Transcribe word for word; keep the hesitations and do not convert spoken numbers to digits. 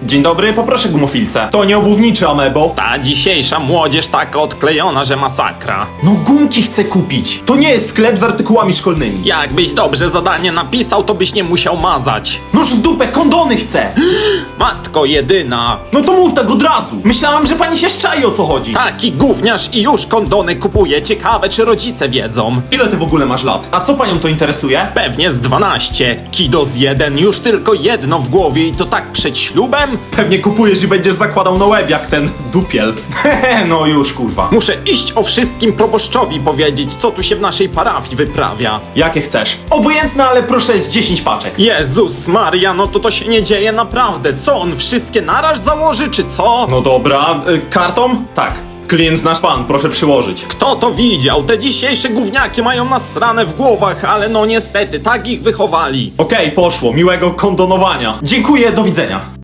Dzień dobry, poproszę gumofilce. To nie obuwniczy, amebo. Ta dzisiejsza młodzież taka odklejona, że masakra. No gumki chcę kupić. To nie jest sklep z artykułami szkolnymi. Jakbyś dobrze zadanie napisał, to byś nie musiał mazać. Noż w dupę, kondony chcę. Matko jedyna. No to mów tak od razu. Myślałam, że pani się szczai, o co chodzi. Taki gówniarz i już kondony kupuje. Ciekawe, czy rodzice wiedzą. Ile ty w ogóle masz lat? A co panią to interesuje? Pewnie z dwanaście. Kido z jeden, już tylko jedno w głowie i to tak przed ślubem? Pewnie kupujesz i będziesz zakładał na łeb jak ten dupiel. Hehe, no już kurwa. Muszę iść o wszystkim proboszczowi powiedzieć, co tu się w naszej parafii wyprawia. Jakie chcesz? Obojętne, ale proszę z dziesięć paczek. Jezus Maria, no to to się nie dzieje naprawdę. Co, on wszystkie naraz założy, czy co? No dobra, y, kartą? Tak. Klient nasz pan, proszę przyłożyć. Kto to widział? Te dzisiejsze gówniaki mają nasrane w głowach, ale no niestety, tak ich wychowali. Okej, poszło. Miłego kondonowania. Dziękuję, do widzenia.